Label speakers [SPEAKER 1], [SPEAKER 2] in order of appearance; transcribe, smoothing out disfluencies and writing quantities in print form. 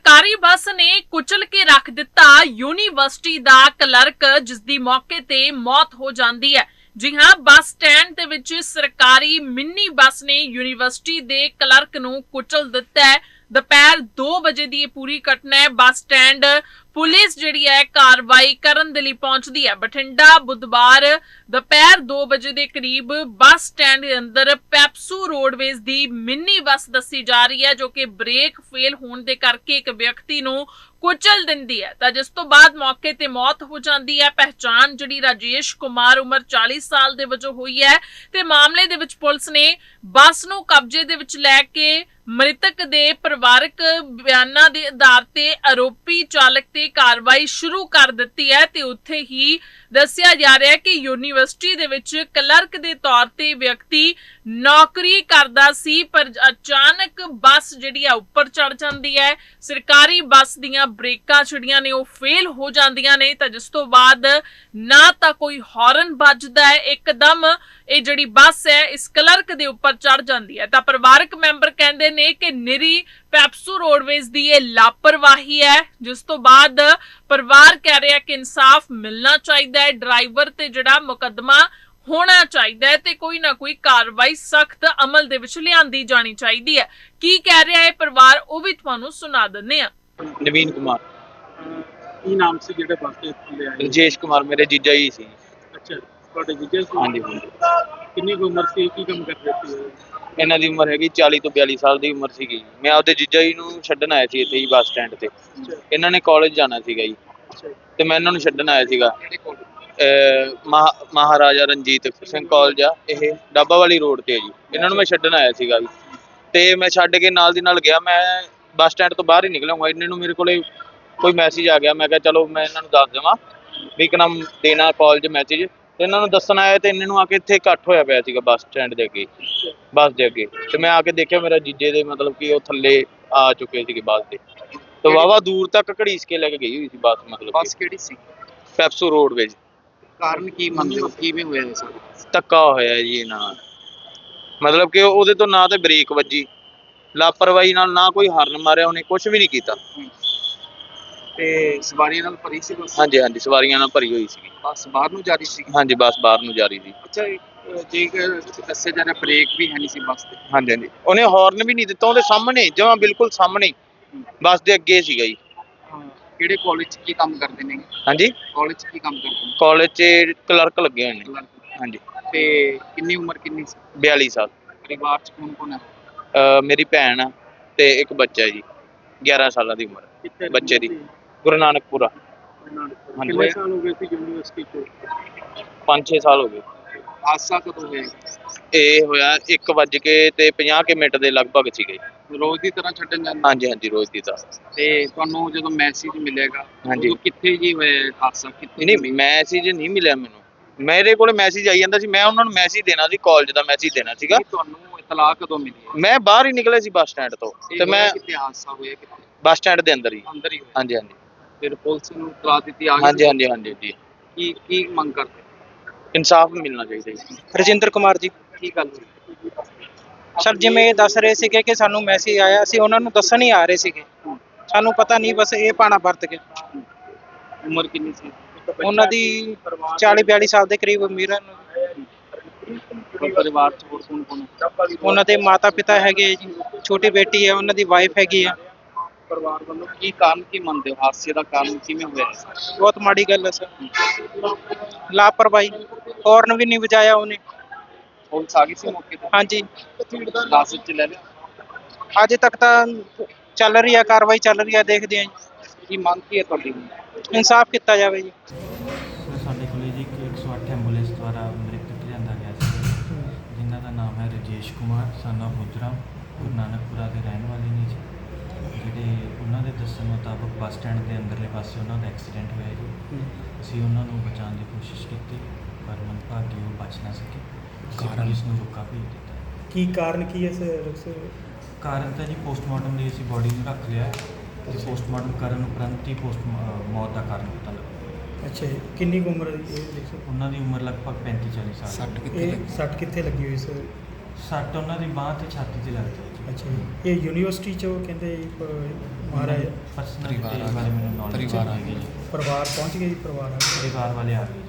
[SPEAKER 1] ਸਰਕਾਰੀ ਬੱਸ ਨੇ ਕੁਚਲ ਕੇ ਰੱਖ ਦਿੱਤਾ ਯੂਨੀਵਰਸਿਟੀ ਦਾ ਕਲਰਕ, ਜਿਸ ਦੀ ਮੌਕੇ ਤੇ ਮੌਤ ਹੋ ਜਾਂਦੀ ਹੈ। ਜੀ ਹਾਂ, ਬੱਸ ਸਟੈਂਡ ਦੇ ਵਿੱਚ ਸਰਕਾਰੀ ਮਿੰਨੀ ਬੱਸ ਨੇ ਯੂਨੀਵਰਸਿਟੀ ਦੇ ਕਲਰਕ ਨੂੰ ਕੁਚਲ ਦਿੱਤਾ ਹੈ। ਦੁਪਹਿਰ 2 ਵਜੇ ਦੀ ਇਹ ਪੂਰੀ ਘਟਨਾ ਹੈ। ਬੱਸ ਸਟੈਂਡ ਪੁਲਿਸ ਜਿਹੜੀ ਹੈ ਕਾਰਵਾਈ ਕਰਨ ਦੇ ਲਈ ਪਹੁੰਚਦੀ ਹੈ। ਬਠਿੰਡਾ ਬੁੱਧਵਾਰ ਦੁਪਹਿਰ 2 ਵਜੇ ਦੇ ਕਰੀਬ ਬੱਸ ਸਟੈਂਡ ਦੇ ਅੰਦਰ ਪੈਪਸੂ ਰੋਡਵੇਜ਼ ਦੀ ਮਿੰਨੀ ਬੱਸ ਦੱਸੀ ਜਾ ਰਹੀ ਹੈ, ਜੋ ਕਿ ਬ੍ਰੇਕ ਫੇਲ ਹੋਣ ਦੇ ਕਰਕੇ ਇੱਕ ਵਿਅਕਤੀ ਨੂੰ ਕੁਚਲ ਦਿੰਦੀ ਹੈ, ਤਾਂ ਜਿਸ ਤੋਂ ਬਾਅਦ ਮੌਕੇ ਤੇ ਮੌਤ ਹੋ ਜਾਂਦੀ ਹੈ। ਪਹਿਚਾਣ ਜਿਹੜੀ ਰਾਜੇਸ਼ ਕੁਮਾਰ ਉਮਰ 40 ਸਾਲ ਦੇ ਵਜੋਂ ਹੋਈ ਹੈ ਤੇ ਮਾਮਲੇ ਦੇ ਵਿੱਚ ਪੁਲਿਸ ਨੇ ਬੱਸ ਨੂੰ ਕਬਜ਼ੇ ਦੇ ਵਿੱਚ ਲੈ ਕੇ ਮ੍ਰਿਤਕ ਦੇ ਪਰਿਵਾਰਕ ਬਿਆਨਾਂ ਦੇ ਆਧਾਰ ਤੇ ਆਰੋਪੀ ਚਾਲਕ ਤੇ ਕਾਰਵਾਈ ਸ਼ੁਰੂ ਕਰ ਦਿੱਤੀ ਹੈ। ਤੇ ਉੱਥੇ ਹੀ ਦੱਸਿਆ ਜਾ ਰਿਹਾ ਹੈ ਕਿ ਯੂਨੀਵਰਸਿਟੀ ਦੇ ਵਿੱਚ ਕਲਰਕ ਦੇ ਤੌਰ ਤੇ ਵਿਅਕਤੀ ਨੌਕਰੀ ਕਰਦਾ ਸੀ, ਪਰ ਅਚਾਨਕ ਬੱਸ ਜਿਹੜੀ ਆ ਉੱਪਰ ਚੜ ਜਾਂਦੀ ਹੈ। ਸਰਕਾਰੀ ਬੱਸ ਦੀਆਂ ਬ੍ਰੇਕਾਂ ਜਿਹੜੀਆਂ ਨੇ ਉਹ ਫੇਲ ਹੋ ਜਾਂਦੀਆਂ ਨੇ, ਤਾਂ ਜਿਸ ਤੋਂ ਬਾਅਦ ਨਾ ਤਾਂ ਕੋਈ ਹਾਰਨ ਵੱਜਦਾ ਹੈ, ਇੱਕਦਮ ਇਹ ਜਿਹੜੀ ਬੱਸ ਹੈ ਇਸ ਕਲਰਕ ਦੇ ਉੱਪਰ ਚੜ ਜਾਂਦੀ ਹੈ। ਤਾਂ ਪਰਿਵਾਰਕ ਮੈਂਬਰ ਕਹਿੰਦੇ ਨੇ ਕਿ ਨਿਰੀ ਪੈਪਸੂ ਰੋਡਵੇਜ਼ ਦੀ ਇਹ ਲਾਪਰਵਾਹੀ ਹੈ, ਜਿਸ ਤੋਂ ਬਾਅਦ ਪਰਿਵਾਰ ਕਹਿ ਰਿਹਾ ਕਿ ਇਨਸਾਫ ਮਿਲਣਾ ਚਾਹੀਦਾ ਹੈ, ਡਰਾਈਵਰ ਤੇ ਜਿਹੜਾ ਮੁਕੱਦਮਾ ਹੋਣਾ ਚਾਹੀਦਾ ਹੈ ਤੇ ਕੋਈ ਨਾ ਕੋਈ ਕਾਰਵਾਈ ਸਖਤ ਅਮਲ ਦੇ ਵਿੱਚ ਲਿਆਂਦੀ ਜਾਣੀ ਚਾਹੀਦੀ ਹੈ। ਕੀ ਕਹਿ ਰਿਹਾ ਹੈ ਪਰਿਵਾਰ, ਉਹ ਵੀ ਤੁਹਾਨੂੰ ਸੁਣਾ ਦਿੰਦੇ ਆ।
[SPEAKER 2] ਨਵੀਨ ਕੁਮਾਰ।
[SPEAKER 3] ਕੀ ਨਾਮ ਸੀ ਜਿਹੜੇ ਬੱਸ ਤੇ ਥੱਲੇ ਆਏ?
[SPEAKER 2] ਰਜੇਸ਼ ਕੁਮਾਰ ਮੇਰੇ ਜੀਜਾ ਜੀ ਸੀ।
[SPEAKER 3] ਅੱਛਾ, ਤੁਹਾਡੇ ਜੀਜਾ ਸੀ?
[SPEAKER 2] ਹਾਂਜੀ।
[SPEAKER 3] ਕਿੰਨੀ ਕੁ ਉਮਰ ਸੀ, ਕੀ ਕੰਮ ਕਰਦੇ ਸੀ?
[SPEAKER 2] ਇਹਨਾਂ ਦੀ ਉਮਰ ਹੈਗੀ 40 ਤੋਂ 42 ਸਾਲ ਦੀ ਉਮਰ ਸੀਗੀ। ਮੈਂ ਆਪਦੇ ਜੀਜਾ ਜੀ ਨੂੰ ਛੱਡਣ ਆਇਆ ਸੀ ਇੱਥੇ ਹੀ ਬੱਸ ਸਟੈਂਡ ਤੇ। ਇਹਨਾਂ ਨੇ ਕਾਲਜ ਜਾਣਾ ਸੀਗਾ ਜੀ, ਤੇ ਮੈਂ ਇਹਨਾਂ ਨੂੰ ਛੱਡਣ ਆਇਆ ਸੀਗਾ। ਮਹਾਰਾਜਾ ਰਣਜੀਤ ਸਿੰਘ ਕਾਲਜ ਆ, ਇਹ ਡਾਬਾ ਵਾਲੀ ਰੋਡ ਤੇ ਹੈ ਜੀ। ਇਹਨਾਂ ਨੂੰ ਮੈਂ ਛੱਡਣ ਆਇਆ ਸੀਗਾ ਜੀ, ਤੇ ਮੈਂ ਛੱਡ ਕੇ ਨਾਲ ਦੀ ਨਾਲ ਗਿਆ। ਮੈਂ ਬੱਸ ਸਟੈਂਡ ਤੋਂ ਬਾਹਰ ਹੀ ਨਿਕਲਾਂਗਾ, ਇਹਨਾਂ ਨੂੰ ਮੇਰੇ ਕੋਲੇ ਕੋਈ ਮੈਸੇਜ ਆ ਗਿਆ। ਮੈਂ ਕਿਹਾ ਚਲੋ ਮੈਂ ਇਹਨਾਂ ਨੂੰ ਦੱਸ ਦੇਵਾਂ ਵੀ ਇੱਕ ਨਾਮ ਦੇਣਾ ਕਾਲਜ ਮੈਸੇਜ, ਤੇ ਇਹਨਾਂ ਨੂੰ ਦੱਸਣ ਆਇਆ। ਤੇ ਇਹਨਾਂ ਨੂੰ ਆ ਕੇ ਇੱਥੇ ਇਕੱਠ ਹੋਇਆ ਪਿਆ ਸੀਗਾ ਬੱਸ ਸਟੈਂਡ ਦੇ ਅੱਗੇ, ਬੱਸ ਦੇ ਅੱਗੇ। ਤੇ ਮੈਂ ਆ ਕੇ ਦੇਖਿਆ ਮੇਰਾ ਜੀਜੇ ਦੇ ਮਤਲਬ ਕਿ ਉਹ ਥੱਲੇ ਆ ਚੁੱਕੇ ਸੀਗੇ ਬੱਸ ਦੇ, ਤੇ ਵਾਹਵਾ ਦੂਰ ਤੱਕ ਘੜੀਸ ਕੇ ਲੈ ਕੇ ਗਈ ਹੋਈ ਸੀ ਬੱਸ। ਮਤਲਬ
[SPEAKER 3] ਬੱਸ ਕਿਹੜੀ ਸੀ?
[SPEAKER 2] ਪੈਪਸੂ ਰੋਡਵੇਜ਼।
[SPEAKER 3] ਕਾਰਨ ਕੀ ਮੰਨਦੇ ਹੋ, ਕਿਵੇਂ ਹੋਇਆ ਇਹ ਸਾਰਾ?
[SPEAKER 2] ਧੱਕਾ ਹੋਇਆ ਜੀ ਇਹਨਾਂ ਨਾਲ, ਮਤਲਬ ਕਿ ਉਹਦੇ ਤੋਂ ਨਾ ਤੇ ਬ੍ਰੇਕ ਵੱਜੀ, ਲਾਪਰਵਾਹੀ ਨਾਲ, ਨਾ ਕੋਈ ਹਾਰਨ ਮਾਰਿਆ, ਉਹਨੇ ਕੁਝ ਵੀ ਨਹੀਂ ਕੀਤਾ।
[SPEAKER 3] ਤੇ ਸਵਾਰੀਆਂ ਨਾਲ ਭਰੀ ਸੀ ਬੱਸ?
[SPEAKER 2] ਹਾਂਜੀ ਹਾਂਜੀ, ਸਵਾਰੀਆਂ ਨਾਲ ਭਰੀ ਹੋਈ ਸੀਗੀ।
[SPEAKER 3] ਬੱਸ ਬਾਹਰ ਨੂੰ ਜਾ ਰਹੀ ਸੀ?
[SPEAKER 2] ਹਾਂਜੀ, ਬੱਸ ਬਾਹਰ ਨੂੰ ਜਾ ਰਹੀ ਸੀ।
[SPEAKER 3] ਅੱਛਾ, ਜੇਕਰ ਦੱਸਿਆ ਜਾ ਰਿਹਾ ਬ੍ਰੇਕ ਵੀ ਹੈ ਨਹੀਂ ਸੀ ਬੱਸ ਤੇ?
[SPEAKER 2] ਹਾਂਜੀ ਹਾਂਜੀ, ਉਹਨੇ ਹਾਰਨ ਵੀ ਨਹੀਂ ਦਿੱਤਾ। ਉਹਦੇ ਸਾਹਮਣੇ, ਜਮਾਂ ਬਿਲਕੁਲ ਸਾਹਮਣੇ ਬੱਸ ਦੇ ਅੱਗੇ ਸੀਗਾ ਜੀ।
[SPEAKER 3] ਕਿਹੜੇ ਕਾਲਜ 'ਚ ਕੀ ਕੰਮ ਕਰਦੇ ਨੇ?
[SPEAKER 2] ਹਾਂਜੀ,
[SPEAKER 3] ਕਾਲਜ 'ਚ ਕੀ ਕੰਮ ਕਰਦੇ ਨੇ?
[SPEAKER 2] ਕਾਲਜ 'ਚ ਕਲਰਕ ਲੱਗੇ ਹੋਏ ਨੇ। ਹਾਂਜੀ।
[SPEAKER 3] ਤੇ ਕਿੰਨੀ ਉਮਰ ਕਿੰਨੀ ਸੀ?
[SPEAKER 2] 42 ਸਾਲ।
[SPEAKER 3] ਪਰਿਵਾਰ 'ਚ ਕੌਣ ਕੌਣ ਹੈ?
[SPEAKER 2] ਮੇਰੀ ਭੈਣ ਆ ਤੇ ਇੱਕ ਬੱਚਾ ਜੀ, 11 ਸਾਲਾਂ ਦੀ ਉਮਰ ਬੱਚੇ ਦੀ। ਗੁਰੂ ਨਾਨਕਪੁਰਾ।
[SPEAKER 3] ਕਿੰਨੇ ਸਾਲ ਹੋ ਗਏ ਸੀ ਯੂਨੀਵਰਸਿਟੀ 'ਚ?
[SPEAKER 2] 5-6 ਸਾਲ ਹੋ ਗਏ।
[SPEAKER 3] ਹਾਦਸਾ ਕਦੋਂ ਹੋਇਆ?
[SPEAKER 2] ਇਹ ਹੋਇਆ 1:50 ਦੇ ਲਗਭਗ ਸੀਗੇ।
[SPEAKER 3] ਰੋਜ਼ ਦੀ ਤਰ੍ਹਾਂ ਛੱਡਣ ਜਾਂਦੇ?
[SPEAKER 2] ਹਾਂਜੀ ਹਾਂਜੀ, ਰੋਜ਼ ਦੀ ਤਰ੍ਹਾਂ।
[SPEAKER 3] ਤੇ ਤੁਹਾਨੂੰ ਜਦੋਂ ਮੈਸੇਜ ਮਿਲੇਗਾ
[SPEAKER 2] ਹਾਂਜੀ,
[SPEAKER 3] ਕਿੱਥੇ ਜੀ ਹੋਇਆ ਹਾਦਸਾ? ਕਿੱਥੇ?
[SPEAKER 2] ਨਹੀਂ, ਮੈਸੇਜ ਨਹੀਂ ਮਿਲਿਆ ਮੈਨੂੰ। ਮੇਰੇ ਕੋਲ ਮੈਸੇਜ ਆਈ ਜਾਂਦਾ ਸੀ, ਮੈਂ ਉਹਨਾਂ ਨੂੰ ਮੈਸੇਜ ਦੇਣਾ ਸੀ, ਕਾਲਜ ਦਾ ਮੈਸੇਜ ਦੇਣਾ ਸੀਗਾ।
[SPEAKER 3] ਤੁਹਾਨੂੰ ਇਤਲਾਹ ਕਦੋਂ ਮਿਲੀ?
[SPEAKER 2] ਮੈਂ ਬਾਹਰ ਹੀ ਨਿਕਲਿਆ ਸੀ ਬੱਸ ਸਟੈਂਡ ਤੋਂ, ਤੇ ਮੈਂ
[SPEAKER 3] ਕਿੱਥੇ ਹਾਦਸਾ ਹੋਇਆ? ਕਿੱਥੇ?
[SPEAKER 2] ਬੱਸ ਸਟੈਂਡ ਦੇ ਅੰਦਰ ਹੀ।
[SPEAKER 3] ਅੰਦਰ ਹੀ ਹੋਇਆ?
[SPEAKER 2] ਹਾਂਜੀ ਹਾਂਜੀ।
[SPEAKER 3] ਫਿਰ ਪੁਲਿਸ ਨੂੰ ਇਤਲਾਹ ਦਿੱਤੀ? ਆ ਗਈ?
[SPEAKER 2] ਹਾਂਜੀ ਹਾਂਜੀ ਹਾਂਜੀ ਜੀ।
[SPEAKER 3] ਕੀ ਮੰਗ ਕਰਦੇ?
[SPEAKER 2] ਇਨਸਾਫ ਮਿਲਣਾ ਚਾਹੀਦਾ ਜੀ।
[SPEAKER 4] ਰਜਿੰਦਰ ਕੁਮਾਰ ਜੀ।
[SPEAKER 3] ਕੀ ਗੱਲ ਹੋਈ?
[SPEAKER 4] ਸਰ ਜਿਵੇਂ ਇਹ ਦੱਸ ਰਹੇ ਸੀਗੇ ਕਿ ਸਾਨੂੰ ਮੈਸੇਜ ਆਇਆ, ਅਸੀਂ ਉਹਨਾਂ ਨੂੰ ਦੱਸਣ ਹੀ ਆ ਰਹੇ ਸੀਗੇ, ਸਾਨੂੰ ਪਤਾ ਨਹੀਂ, ਬਸ ਇਹ ਪਾਣਾ ਵਰਤ ਗਏ।
[SPEAKER 3] ਉਮਰ ਕਿੰਨੀ ਸੀ
[SPEAKER 4] ਉਹਨਾਂ ਦੀ? 40-42 ਸਾਲ ਦੇ ਕਰੀਬ ਉਮਰ ਹੈ।
[SPEAKER 3] ਪਰਿਵਾਰ 'ਚ ਹੋਰ ਕੌਣ ਕੌਣ ਹੈ?
[SPEAKER 4] ਉਹਨਾਂ ਦੇ ਮਾਤਾ ਪਿਤਾ ਹੈਗੇ ਜੀ, ਛੋਟੀ ਬੇਟੀ ਹੈ, ਉਹਨਾਂ ਦੀ ਵਾਈਫ ਹੈਗੀ ਆ।
[SPEAKER 3] ਪਰਿਵਾਰ ਵੱਲੋਂ ਕੀ ਕਾਰਨ ਕੀ ਮੰਨਦੇ ਹੋ? ਹਾਦਸੇ ਦਾ ਕਾਰਨ ਕਿਵੇਂ ਹੋਇਆ?
[SPEAKER 4] ਬਹੁਤ ਮਾੜੀ ਗੱਲ ਹੈ ਸਰ, ਲਾਪਰਵਾਹੀ। ਹੌਰਨ ਵੀ ਨਹੀਂ ਵਜਾਇਆ ਉਹਨੇ।
[SPEAKER 3] ਪੁਲਿਸ ਆ ਗਈ ਸੀ ਮੌਕੇ ਤੇ?
[SPEAKER 4] ਹਾਂਜੀ,
[SPEAKER 3] ਲਾਸ਼ 'ਚ ਲੈ ਲਿਆ?
[SPEAKER 4] ਅਜੇ ਤੱਕ ਤਾਂ ਚੱਲ ਰਹੀ ਹੈ, ਕਾਰਵਾਈ ਚੱਲ ਰਹੀ ਹੈ, ਦੇਖਦੇ ਹਾਂ ਜੀ।
[SPEAKER 3] ਕੀ ਮੰਗ ਕੀ ਹੈ ਤੁਹਾਡੀ?
[SPEAKER 4] ਇਨਸਾਫ ਕੀਤਾ ਜਾਵੇ ਜੀ।
[SPEAKER 5] ਸਾਡੇ ਕੋਲ ਜੀ 108 ਐਂਬੂਲੈਂਸ ਦੁਆਰਾ ਮ੍ਰਿਤਕ ਲਿਆਂਦਾ ਗਿਆ ਸੀ, ਜਿਨ੍ਹਾਂ ਦਾ ਨਾਮ ਹੈ ਰਜੇਸ਼ ਕੁਮਾਰ ਸਨ ਆਫ ਹੁਜਰਾ, ਗੁਰੂ ਨਾਨਕਪੁਰਾ ਦੇ ਰਹਿਣ ਵਾਲੇ ਨੇ ਜੀ। ਜਿਹੜੇ ਉਹਨਾਂ ਦੇ ਦੱਸਣ ਮੁਤਾਬਕ ਬੱਸ ਸਟੈਂਡ ਦੇ ਅੰਦਰਲੇ ਪਾਸੇ ਉਹਨਾਂ ਦਾ ਐਕਸੀਡੈਂਟ ਹੋਇਆ ਜੀ। ਅਸੀਂ ਉਹਨਾਂ ਨੂੰ ਬਚਾਉਣ ਦੀ ਕੋਸ਼ਿਸ਼ ਕੀਤੀ, ਪਰ ਮੰਦਭਾਗੀ ਉਹ ਬਚ ਨਾ ਸਕੇ। ਪੁਲਿਸ ਨੂੰ ਰੋਕਾ ਭੇਜ ਦਿੱਤਾ।
[SPEAKER 6] ਕੀ ਕਾਰਨ ਕੀ ਹੈ ਸਰ?
[SPEAKER 5] ਕਾਰਨ ਤਾਂ ਜੀ ਪੋਸਟਮਾਰਟਮ ਲਈ ਅਸੀਂ ਬੋਡੀ ਨੂੰ ਰੱਖ ਲਿਆ, ਤੇ ਪੋਸਟਮਾਰਟਮ ਕਰਨ ਉਪਰੰਤ ਹੀ ਮੌਤ ਦਾ ਕਾਰਨ ਪਤਾ ਲੱਗਾ।
[SPEAKER 6] ਅੱਛਾ ਜੀ, ਕਿੰਨੀ ਕੁ ਉਮਰ ਹੈ ਜੀ ਇਹ?
[SPEAKER 5] ਉਹਨਾਂ ਦੀ ਉਮਰ ਲਗਭਗ 35-40 ਸਾਲ।
[SPEAKER 6] ਸੱਟ ਕਿੱਥੇ ਲੱਗੀ ਹੋਈ ਸਰ?
[SPEAKER 5] ਸੱਟ ਉਹਨਾਂ ਦੀ ਬਾਂਹ ਤੇ ਛਾਤੀ 'ਤੇ ਲੱਗਦੀ ਹੈ ਜੀ।
[SPEAKER 6] ਅੱਛਾ ਜੀ ਇਹ ਯੂਨੀਵਰਸਿਟੀ ਚੋਂ ਕਹਿੰਦੇ ਮਹਾਰਾਜ
[SPEAKER 5] ਪਰਸਨਲ ਬਾਰੇ ਮੈਨੂੰ ਨੌਲੇਜ
[SPEAKER 7] ਪਰਿਵਾਰ ਆ
[SPEAKER 5] ਹੈਗੀ ਜੀ।
[SPEAKER 6] ਪਰਿਵਾਰ ਪਹੁੰਚ ਗਏ ਜੀ ਪਰਿਵਾਰ ਆ ਗਿਆ।
[SPEAKER 5] ਪਰਿਵਾਰ ਵਾਲੇ ਆ ਗਏ ਜੀ।